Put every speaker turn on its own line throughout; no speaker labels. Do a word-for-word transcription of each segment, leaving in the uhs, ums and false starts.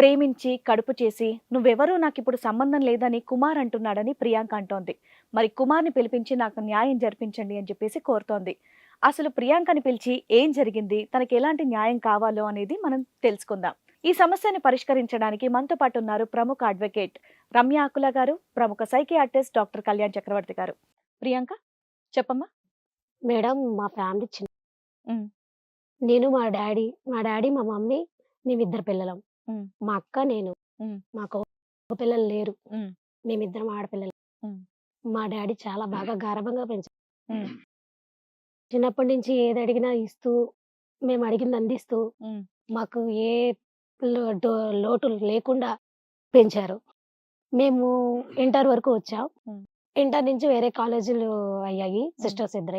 ప్రేమించి, కడుపు చేసి, "నువ్వెవరూ నాకిప్పుడు సంబంధం లేదని" కుమార్ అంటున్నాడని ప్రియాంక అంటోంది. మరి కుమార్‌ని పిలిపించి నాకు న్యాయం జరిపించండి అని చెప్పేసి కోరుతోంది. అసలు ప్రియాంకని పిలిచి ఏం జరిగింది? తనకెలాంటి న్యాయం కావాలో అనేది మనం తెలుసుకుందాం. ఈ సమస్యని పరిష్కరించడానికి మనతో పాటు ఉన్నారు ప్రముఖ అడ్వకేట్ రమ్య ఆకుల గారు, ప్రముఖ సైకియాట్రిస్ట్ డాక్టర్ కళ్యాణ్ చక్రవర్తి గారు. ప్రియాంక చెప్పమ్మా.
మేడం మా ఫ్యామిలీ చిన్న
హ్మ్.
నేను, మా డ్యాడీ, మా డ్యాడీ, మా మమ్మీ మేమిద్దరు పిల్లలం.
హ్మ్.
మా అక్క, నేను.
హ్మ్.
మాకు మగ పిల్లలు లేరు.
హ్మ్.
మేమిద్దరం ఆడపిల్లలం.
హ్మ్.
మా డ్యాడీ చాలా బాగా గారాబంగా పెంచారు.
హ్మ్.
చిన్నప్పటి నుంచి ఏదడిగినా ఇస్తూ, మేము అడిగింది అందిస్తూ,
హ్మ్.
మాకు ఏ లో డో లోటు లేకుండా పెంచారు. మేము ఇంటర్ వరకు వచ్చాం.
హ్మ్.
ఇంటర్ నుంచి వేరే కాలేజీలు అయ్యాయి.
హ్మ్.
సిస్టర్స్ ఇద్దరే.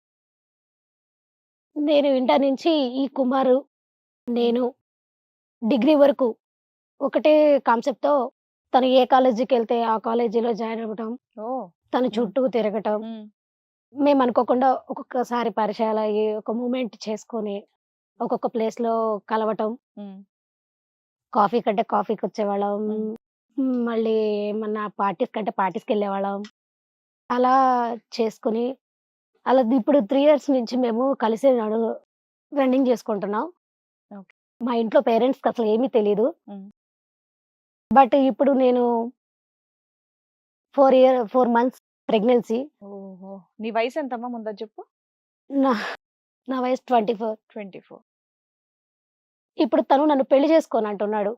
నేను ఇంటర్ నుంచి ఈ కుమారు,
హ్మ్.
నేను డిగ్రీ వరకు ఒకటే కాన్సెప్ట్‌తో తను ఏ కాలేజీకెళ్తే ఆ కాలేజీలో జాయిన్ అవ్వటం,
ఓహ్!
తన
హ్మ్.
చుట్టూ తిరగటం.
హ్మ్.
మేమనుకోకుండా ఒక్కొక్కసారి పరిచయాలయ్యి, ఒక మూవ్‌మెంట్ చేసుకొని, ఒక్కొక్క ప్లేస్‌లో కలవటం.
హ్మ్.
కాఫీ కంటే కాఫీకొచ్చేవాళ్ళం.
హ్మ్.
హ్మ్. మళ్ళీ ఏమన్నా పార్టీస్ కంటే పార్టీస్‌కెళ్ళేవాళ్ళం. అలా చేసుకొని, అలా ఇప్పుడు మూడు ఇయర్స్ నుంచి మేము కలిసి నడు రన్నింగ్ చేసుకుంటున్నాం.
ఓకే.
మా ఇంట్లో పేరెంట్స్‌కి అసలు ఏమీ తెలీదు.
హ్మ్.
బట్ ఇప్పుడు నేను నాలుగు ఇయర్ నాలుగు మంత్స్ ప్రెగ్నెన్సీ.
ఓహో! నీ వయసెంతమ్మా ముందది జెప్పు?
నా నా వయసు ఇరవై నాలుగు.
ఇరవై నాలుగు.
ఇప్పుడు తను నన్ను పెళ్లి చేసుకోనంటున్నాడు.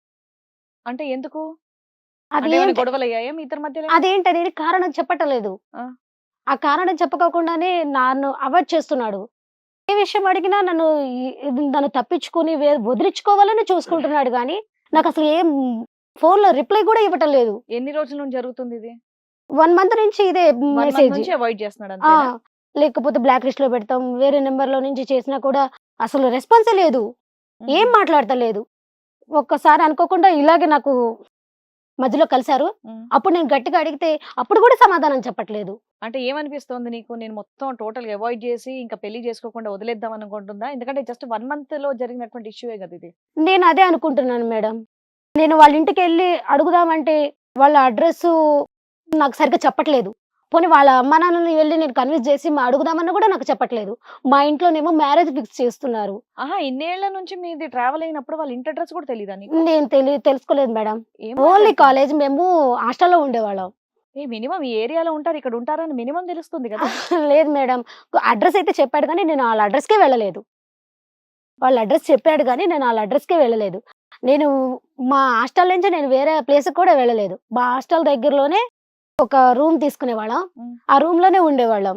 అంటే ఎందుకు? అంటే ఏమైనా
అదేంటి
గొడవలయ్యాయా మీ ఇద్దరి మధ్యలో ఏమైనా?
అదేంటనేది కారణం చెప్పటలేదు.
ఆ!
ఆ కారణం చెప్పకోకుండానే నన్ను అవాయిడ్ చేస్తున్నాడు. ఏ విషయం అడిగినా నన్ను ఈ ఇది నన్ను తప్పించుకొని వే వదిలించుకోవాలని చూసుకుంటున్నాడు గానీ,
హ్మ్.
నాకసలు ఏం ఫోన్‌లో రిప్లై గూడా ఇవ్వటం లేదు.
ఎన్ని రోజుల నుండి జరుగుతుందిది?
ఒక మంత్ నుంచి ఇదే
ఒక మంత్
మెసేజ్.
నుంచి అవాయిడ్ జేస్తున్నాడు
ఆ!
అంతేనా?
లేకపోతే బ్లాక్ లిస్ట్‌లో పెడతాం. వేరే నంబర్‌లో నుంచి చేసినా కూడా అసలు రెస్పాన్సే లేదు.
హుహు.
ఏం మాట్లాడతలేదు. ఒక్కసారి అనుకోకుండా ఇలాగే నాకు మధ్యలో కలిసారు.
హ్మ్.
అప్పుడు నేను గట్టిగా అడిగితే అప్పుడు గూడా సమాధానం చెప్పట్లేదు.
అంటే ఏమనిపిస్తోంది నీకు? నేను మొత్తం టోటల్‌గా అవాయిడ్ జేసి ఇంకా పెళ్లి జేసుకోకుండా వదిలేద్దాం అనుకుంటుందా? ఎందుకంటే జస్ట్ ఒక మంత్‌లో జరిగినటువంటి ఇష్యూయే గదా ఇది.
నేను అదే అనుకుంటున్నాను మేడం. నేను వాళ్ళ ఇంటికెళ్ళి అడుగుదామంటే వాళ్ళ అడ్రెస్సు నాకు సరిగ్గా చెప్పట్లేదు. పోనీ వాళ్ళ అమ్మానాన్నని వెళ్లి నేను కన్విన్స్ చేసి మా అడుగుదామన్నా గూడా నాకు చెప్పట్లేదు. మా ఇంట్లోనేమో మ్యారేజ్ ఫిక్స్ చేస్తున్నారు.
ఆహా! ఇన్నేళ్ల నుంచి మీది ట్రావెల్ అయినప్పుడు వాళ్ళ ఇంటి అడ్రెస్ కూడా తెలీదా నీకు?
నేను తెలి తెలుసుకోలేదు మేడం.
ఏం
ఓన్లీ
మాట్లాడుతున్నావు?
కాలేజ్ మేము హాస్టల్‌లో ఉండేవాళ్ళం.
ఏ మినిమమ్ ఈ ఏరియాలో ఉంటారు, ఇక్కడ ఉంటారని మినిమమ్ తెలుస్తుంది గదా!
లేదు మేడం. అడ్రెస్ అయితే చెప్పాడు గానీ నేను ఆళ్ళ అడ్రెస్‌కే వెళ్ళలేదు. వాళ్ళ అడ్రెస్ చెప్పాడు గానీ నేను ఆళ్ళ అడ్రెస్‌కే వెళ్ళలేదు. నేను మా హాస్టల్ నుంచి నేను వేరే ప్లేస్‌కి కూడా వెళ్ళలేదు. మా హాస్టల్ దగ్గరలోనే ఒక రూమ్ తీసుకునేవాళ్ళం.
హ్మ్.
ఆ రూమ్‌లోనే ఉండేవాళ్ళం.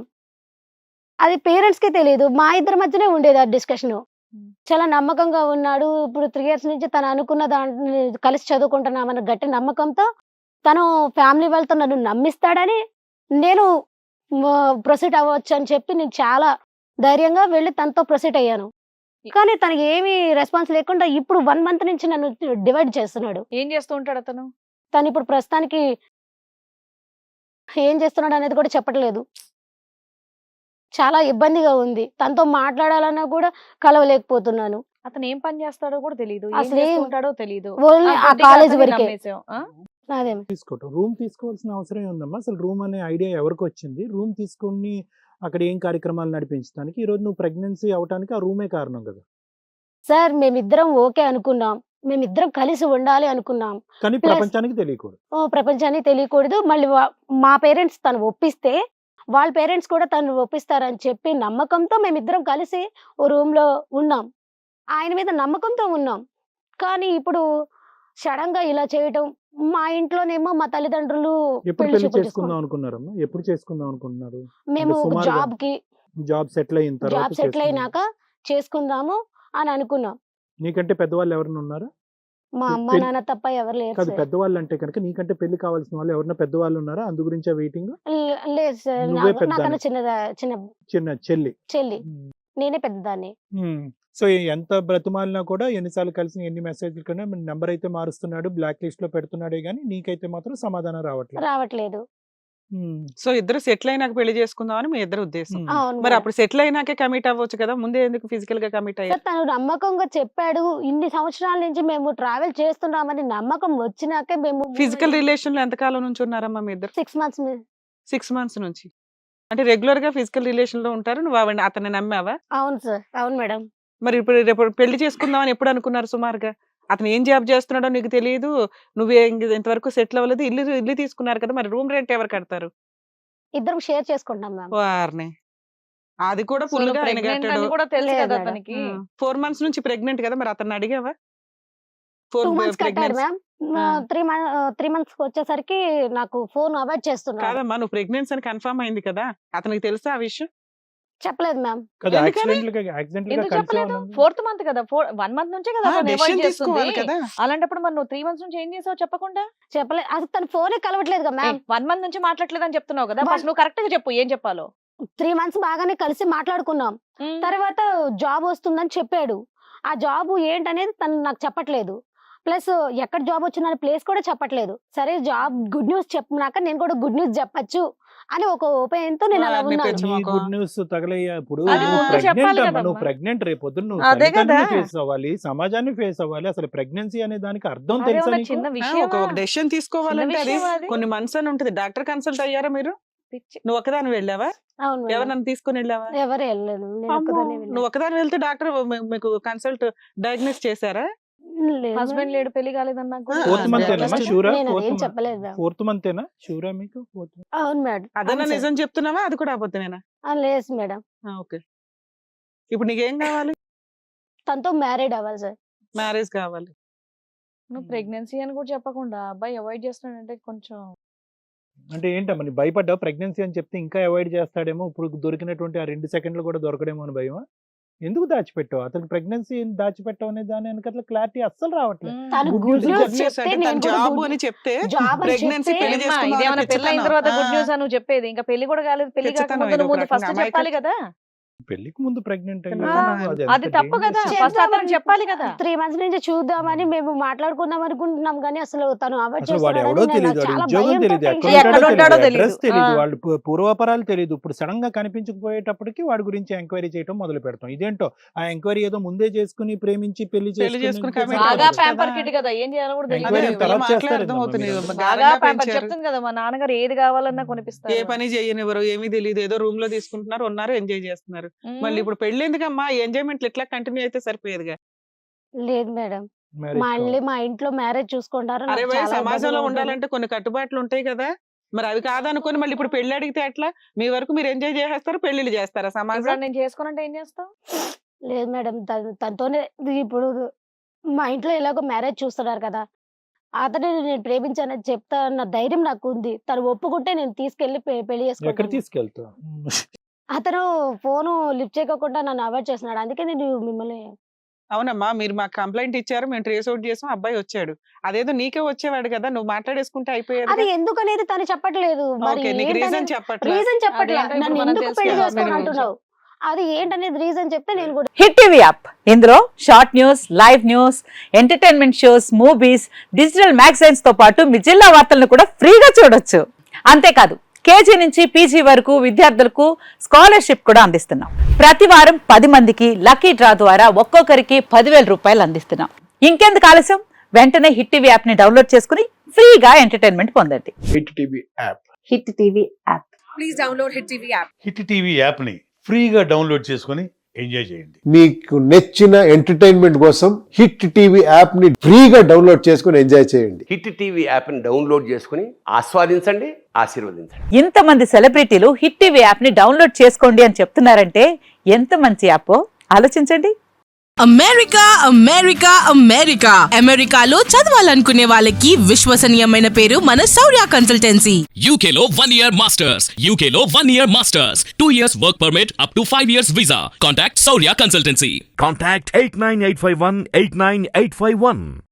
అది పేరెంట్స్‌కి తెలీదు. మా ఇద్దరి మధ్యనే ఉండేది ఆ డిస్కషను.
హ్మ్.
చాలా నమ్మకంగా ఉన్నాడు. ఇప్పుడు మూడు ఇయర్స్ నుంచి తను అనుకున్న దాన్ని కలిసి చదువుకుంటున్నామన్న గట్టి నమ్మకంతో తను ఫ్యామిలీ వాళ్ళతో నన్ను నమ్మిస్తాడని నేను మ ప్రొసీడ్ అవ్వొచ్చని చెప్పి నేను చాలా ధైర్యంగా వెళ్లి తనతో ప్రొసీడ్ అయ్యాను.
ఎ
కానీ తనకి ఏమీ రెస్పాన్స్ లేకుండా ఇప్పుడు ఒక మంత్ నుంచి నన్ను డివైడ్ చేస్తున్నాడు.
ఏం జేస్తూ ఉంటాడతను?
తనిప్పుడు ప్రస్తుతానికి ఏం చేస్తున్నాడనేది కూడా చెప్పట్లేదు. చాలా ఇబ్బందిగా ఉంది. తనతో మాట్లాడాలన్నా కూడా కలవలేకపోతున్నాను.
అతను ఏం పని జేస్తాడో గూడా తెలీదు. ఏం జేస్తూ
అసలేం
ఉంటాడో తెలీదు. ఆ!
ఓన్లీ ఆ
గుడ్డిగా
కాలేజీ
అతన్ని
వరకే.
నమ్మేసావు. ఆ!
అదే.
తీసుకోవటం. రూమ్ తీసుకోవాల్సిన అవసరం ఏముందమ్మా? అసలు రూమ్ అనే ఐడియా ఎవరికొచ్చింది? రూమ్ తీసుకొని అక్కడ ఏం కార్యక్రమాలు నడిపించడానికి? ఈరోజు నువ్వు ప్రెగ్నెన్సీ అవ్వటానికి ఆ రూమే కారణం గదా!
సార్ మేమిద్దరం ఓకే అనుకున్నాం. మేమిద్దరం కలిసి ఉండాలి అనుకున్నాం.
కానీ
ప్లస్
ప్రపంచానికి తెలియకూడదు.
ఓహ్! ప్రపంచానికి తెలియకూడదు. మళ్ళీ వ మా పేరెంట్స్ తను ఒప్పిస్తే, వాళ్ళ పేరెంట్స్ కూడా తనను ఒప్పిస్తారని చెప్పి నమ్మకంతో మేమిద్దరం కలిసి ఓ రూమ్‌లో ఉన్నాం. ఆయన మీద నమ్మకంతో ఉన్నాం. కానీ ఇప్పుడు సడెన్‌గా ఇలా చేయటం, మా ఇంట్లోనేమో మా తల్లిదండ్రులు
ఎప్పుడు
పెళ్లి
పెళ్లి
చూపులు
చేసుకుందాం
చూసుకున్నారు.
అనుకున్నారమ్మా? ఎప్పుడు చేసుకుందాం అనుకుంటున్నారు? అంటే
మేము
సుమారుగా
జాబ్‌కి
జాబ్ సెటిల్ అయిన తర్వాత
జాబ్ సెటిల్
చేసుకుందాం.
అయినాక చేసుకుందాము అని అనుకున్నాం.
నీకంటే పెద్దవాళ్ళు ఎవరైనా ఉన్నారా?
మా
పె
అమ్మ,
పెళ్
నాన్న తప్ప ఎవరు లేరు
కాదు
సార్.
పెద్దవాళ్ళంటే గనక నీకంటే పెళ్లి కావాల్సిన వాళ్ళు ఎవరైనా పెద్దవాళ్ళు ఉన్నారా? అందు గురించా వెయిటింగు?
లే లేదు సార్.
నువ్వే
నాకు నాకన్నా
పెద్దదానివి.
చిన్నదా చిన్న
చిన్న చెల్లి.
చెల్లి.
హ్మ్.
నేనే పెద్దదాన్ని.
హ్మ్. సో, ఎంత బ్రతిమాలినా కూడా ఎన్ని సార్లు కలిసి ఎన్ని మెసేజ్‌లు కన్నా నంబర్ అయితే మారుస్తున్నాడు. బ్లాక్ లిస్ట్‌లో పెడుతున్నాడే గానీ, నీకైతే మాత్రం సమాధానం రావట్లేదు.
రావట్లేదు.
ఉమ్.
సో ఇద్దరు సెటిల్ అయినాక పెళ్లి చేసుకుందాం అని మీ ఇద్దరు ఉద్దేశం.
ఉమ్.
అవును
మరి
మేడం.
అప్పుడు సెటిల్ అయినాకే కమిట్ అవ్వచ్చు కదా, ముందే ఎందుకు ఫిజికల్ గా కమిట్ అయ్యారు?
సార్ తను నమ్మకంగా చెప్పాడు, ఇన్ని సంవత్సరాల నుంచి మేము ట్రావెల్ చేస్తున్నామని నమ్మకం వచ్చినాకే మేము
ఫిజికల్ రిలేషన్ లో ఎంతకాలం నుంచి ఉన్నారమ్మా మీ ఇద్దరు?
సిక్స్ మంత్స్
సిక్స్ మంత్స్ నుంచి. అంటే రెగ్యులర్ గా ఫిజికల్ రిలేషన్ లో ఉంటారు, నువ్వు ఆవిడ అతన్ని నమ్మావా?
అవును సార్, అవును మేడం.
మరి ఇప్పుడు రేపు పెళ్లి చేసుకుందామని ఎప్పుడు అనుకున్నారు సుమారుగా? అతను ఏం జాబ్ చేస్తున్నాడో నీకు తెలియదు, నువ్వు ఇంతవరకు సెటిల్ అవ్వలేదు, ఇల్లు ఇల్లు తీసుకున్నారు కదా, మరి రూమ్ రెంట్ ఎవరు కడతారు?
ఇద్దరం షేర్ చేసుకుంటాం మ్యామ్.
వారిని అది కూడా ఫుల్ గా ఆయన
ప్రెగ్నెంట్
కట్టాడు.
అని కూడా తెలుసు
లేదు
కదా
మేడం.
అతనికి.
ఫోర్ మంత్స్ నుంచి ప్రెగ్నెంట్ కదా, మరి అతన్ని అడిగావా? ఫోర్
టూ మంత్స్ కట్టాడు
ప్రెగ్నెన్సీ
మ్యామ్.
ఆ.
త్రీ మంత్ త్రీ మంత్స్ వచ్చేసరికి నాకు ఫోన్ అవాయిడ్ చేస్తున్నాడు.
కాదమ్మా, నువ్వు ప్రెగ్నెన్సీ అని కన్ఫర్మ్ అయింది కదా, అతనికి తెలుసా ఆ విషయం?
చెప్పలేదు మ్యామ్.
కదా
ఎందుకని?
యాక్సిడెంట్ గా యాక్సిడెంట్ గా
ఎందుకు
కలిసి
చెప్పలేదు?
ఉన్నది.
ఫోర్త్ మంత్ కదా, ఫోర్ వన్ మంత్ నుంచే కదా అతను
డెసిషన్
avoid చేస్తుంది.
తీసుకోవాలి కదా.
అలాంటప్పుడు మరి నువ్వు త్రీ మంత్స్ నుంచి ఏం చేసావు చెప్పకుండా?
చెప్పలేదు, అసలు తన ఫోనే కలవట్లేదు కదా మ్యామ్.
వన్ మంత్ నుంచి మాట్లాడలేదు అని చెప్తున్నావు కదా,
One-
ఫస్ట్ నువ్వు కరెక్ట్ గా చెప్పు ఏం చెప్పాలో.
త్రీ మంత్స్ బాగానే కలిసి మాట్లాడుకున్నాం.
ఉమ్.
తర్వాత జాబ్ వస్తుందని చెప్పాడు. ఆ జాబ్ ఏంటనేది తను నాకు చెప్పట్లేదు. ప్లస్ ఎక్కడ జాబ్ వచ్చిందనే ప్లేస్ కూడా చెప్పట్లేదు. సరే జాబ్ గుడ్ న్యూస్ చెప్పినాక నేను కూడా గుడ్ న్యూస్ చెప్పచ్చు అని ఒక ఓపెన్ తో నేను అలా
వారిని
ఉన్నాను.
పెంచు.
నీ గుడ్ న్యూస్ తగలయ్యా ఇప్పుడు
అది
నువ్వు
ముందు
ప్రెగ్నెంట్
చెప్పాలి
అమ్మా,
కదమ్మా.
నువ్వు ప్రెగ్నెంట్ రేపొద్దు నువ్వు
అదే కదా.
తల్లిదండ్రులు ఫేస్ అవ్వాలి, సమాజాన్ని ఫేస్ అవ్వాలి. అసలు ప్రెగ్నెన్సీ అనే దానికి అర్థం
అదే
తెలుసా
ఉన్న
నీకు?
చిన్న
ఆ,
విషయం
ఒక ఒక డెసిషన్ తీసుకోవాలంటే అది
విషయమా అది?
కొన్ని మంత్స్ అని ఉంటుంది. డాక్టర్ కన్సల్ట్ అయ్యారా మీరు? నువ్వు ఒకదాని వెళ్ళావా?
అవును మేడం.
ఎవరినైనా తీసుకొని వెళ్ళావా?
ఎవరు వెళ్ళలేదు, నేను
అమ్మో,
ఒక్కదాన్నే వెళ్ళాను.
నువ్వు ఒకదాని వెళ్తే డాక్టర్ మీకు కన్సల్ట్ డయాగ్నోస్ చేశారా?
లేదు
హస్బెండ్
మేడం.
లేడు పెళ్లి కాలేదన్నా కూడా
ఆ,
ఫోర్త్ మంత్
అదే,
ఏనమ్మా
just
షూరా?
నేను
ఫోర్త్
అదేం
మంత్
చెప్పలేదు మ్యామ్.
ఫోర్త్ మంత్ ఏనా షూరా మీకు? ఫోర్త్
అవును మేడం.
అదన్నా
అవును సార్.
నిజం చెప్తున్నావా, అది కూడా అబద్ధమేనా?
ఆ, లేదు మేడం.
ఓకే, ఇప్పుడు నీకేం కావాలి?
తనతో మ్యారీడ్ అవ్వాలి సార్.
మ్యారేజ్ కావాలి.
నువ్వు ప్రెగ్నెన్సీ అని కూడా చెప్పకుండా అబ్బాయి అవాయిడ్ చేస్తున్నాడంటే కొంచెం
అంటే ఏంటమ్మా నీ భయపడ్డావు? ప్రెగ్నెన్సీ అని చెప్తే ఇంకా అవాయిడ్ చేస్తాడేమో, ఇప్పుడు దొరికినటువంటి ఆ రెండు సెకండ్లు కూడా దొరకడేమో అని భయమా? ఎందుకు దాచిపెట్టావు? అతనికి ప్రెగ్నెన్సీ దాచిపెట్టావు అనే దాని వెనకాల క్లారిటీ అస్సలు రావట్లేదు.
తను
Good
గుడ్
news
న్యూస్
చెప్పలేదు
చెప్తే
అంటే
నేను
తను
కూడా
జాబ్
good-
అని చెప్తే
జాబ్ అని
ప్రెగ్నెన్సీ
చెప్తే
పెళ్లి
ఏమ్మా,
చేసుకుందాం
ఇదేమన్నా
అని
పెళ్ళి అయిన
పిచ్చితనం.
తర్వాత గుడ్
ఆ,
న్యూస్ అని నువ్వు చెప్పేది? ఇంకా పెళ్లి కూడా కాలేదు, పెళ్లి
పిచ్చితనం
కాకముందు
ఇది
నువ్వు ముందు
ఒక
ఫస్ట్
రకంగా
చెప్పాలి కదా.
పెళ్లికి ముందు ప్రెగ్నెంట్
ఆ,
అది తప్పు కదా, ఫస్ట్ అతను చెప్పాలి కదా.
త్రీ మంత్స్ నుంచి చూద్దామని మేము మాట్లాడుకుందాం అనుకుంటున్నాం కానీ అసలు తను అవాయిడ్
అసలు వాడు ఎవడో
చేస్తున్నాడని
తెలియదు,
నాకు
వాడి
చాలా
ఉద్యోగం
భయంతో
తెలియదు,
tension
ఎక్కడ
ఎక్కడ
ఉంటాడో
ఉంటాడో
తెలియదు,
తెలీదు.
అడ్రస్ తెలియదు,
ఆ.
వాళ్ళు పు- పూర్వాపరాలు తెలియదు. ఇప్పుడు సడన్ గా కనిపించకపోయేటప్పటికి వాడి గురించి ఎంక్వైరీ చేయడం మొదలు పెడతాం. ఇదేంటో ఆ ఎంక్వైరీ ఏదో ముందే చేసుకుని ప్రేమించి పెళ్లి
పెళ్లి చేసుకుని commit
బాగా
అవ్వచ్చు
ప్యాంపర్
కదా.
కిడ్ కదా, ఏం చేయాలో కూడా తెలియదు.
Enquiry
అదే,
తర్వాత
వీళ్ళ మాటలే
చేస్తారేమో
అర్థమవుతుంది.
మీరు.
బాగా
బాగా ప్యాంపర్
పెంచారు.
చెప్తుంది కదా, మా నాన్నగారు ఏది కావాలన్నా కొనిపిస్తారు.
ఏ పని చేయనివ్వరు, ఏమీ తెలియదు, ఏదో రూమ్ లో తీసుకుంటున్నారు, ఉన్నారు, ఎంజాయ్ చేస్తున్నారు.
ఉమ్.
మళ్ళీ ఇప్పుడు పెళ్లి ఎందుకమ్మా? ఎంజాయ్మెంట్ ఇట్లా కంటిన్యూ అయితే సరిపోయేదిగా.
లేదు మేడం. మళ్ళీ మా ఇంట్లో మ్యారేజ్ చూసుకుంటారు.
అరే
నాకు
భయ్,
చాలా
సమాజంలో
ఇబ్బందిగా ఉంటుంది.
ఉండాలంటే కొన్ని కట్టుబాట్లు ఉంటాయి కదా, మరి అవి కాదనుకొని మళ్ళీ ఇప్పుడు పెళ్లి అడిగితే ఎట్లా? మీ వరకు మీరు ఎంజాయ్ చేసేస్తారు, పెళ్లిళ్ళు చేస్తారా
ఇప్పుడు
సమాజం?
నేను చేసుకోనంటే ఏం చేస్తావు?
లేదు మేడం, తన- తనతోనే ఇప్పుడు మా ఇంట్లో ఎలాగో మ్యారేజ్ చూస్తున్నారు కదా, అతను నేను ప్రేమించానని చెప్తా అన్న ధైర్యం నాకు ఉంది. తను ఒప్పుకుంటే నేను తీసుకెళ్లి పె- పెళ్లి
ఎక్కడ
చేసుకుంటాను.
తీసుకెళ్తావు?
అతను ఫోను లిఫ్ట్ చేయకుండా నన్ను అవాయిడ్ చేస్తున్నాడు. అందుకే నేను మిమ్మల్ని
అవునమ్మా, మీరు మాకు కంప్లైంట్ ఇచ్చారు, మేము ట్రేస్ అవుట్ చేసాం, అబ్బాయి వచ్చాడు. అదేదో నీకే వచ్చేవాడు కదా, నువ్వు మాట్లాడేసుకుంటే
అది
అయిపోయేది.
ఎందుకు అనేది తను చెప్పట్లేదు. మరి
ఓకే, నీకు రీజన్ చెప్పట్లేదు.
రీజన్ చెప్పట్లేదు.
అదేంటో ఇప్పుడు
నన్ను
మనం
ఎందుకు పెళ్లి
తెలుసుకోవాలి.
చేసుకోని అంటున్నావు, అది ఏంటనేది రీజన్ చెప్తే నేను కూడా
హిట్ టీవీ యాప్ ఇందులో short news, live news, entertainment shows, movies, digital magazines తో పాటు మీ జిల్లా వార్తలను కూడా ఫ్రీగా చూడొచ్చు. అంతేకాదు కేజీ నుంచి పీజీ వరకు విద్యార్థులకు స్కాలర్షిప్ కూడా అందిస్తున్నాం. ప్రతి వారం పది మందికి లక్కీ డ్రా ద్వారా ఒక్కొక్కరికి పదివేల రూపాయలు అందిస్తున్నాం. ఇంకెందుకు ఆలస్యం, వెంటనే హిట్ టీవీ యాప్ ని డౌన్లోడ్ చేసుకుని ఫ్రీగా ఎంటర్టైన్మెంట్ పొందండి.
Hit TV app
hit TV app
hit TV యాప్ని ఫ్రీగా డౌన్లోడ్ చేసుకొని ఎంజాయ్ చేయండి.
మీకు నచ్చిన ఎంటర్టైన్మెంట్ కోసం హిట్ టీవీ యాప్ ని ఫ్రీగా డౌన్లోడ్ చేసుకొని ఎంజాయ్ చేయండి.
హిట్ టీవీ యాప్ని డౌన్లోడ్ చేసుకుని ఆస్వాదించండి, ఆశీర్వదించండి.
ఇంతమంది సెలబ్రిటీలు హిట్ టీవీ యాప్ ని డౌన్లోడ్ చేసుకోండి అని చెప్తున్నారంటే ఎంత మంచి యాప్ ఆలోచించండి.
అమెరికా అమెరికా అమెరికా అమెరికాలో చదవాలనుకునే వాళ్ళకి విశ్వసనీయమైన పేరు మన శౌర్య కన్సల్టెన్సీ.
U K లో one year masters, U K లో one year masters, two years work permit up to five years visa. Contact Saurya Consultancy.
Contact eight nine eight five one eight nine eight five one.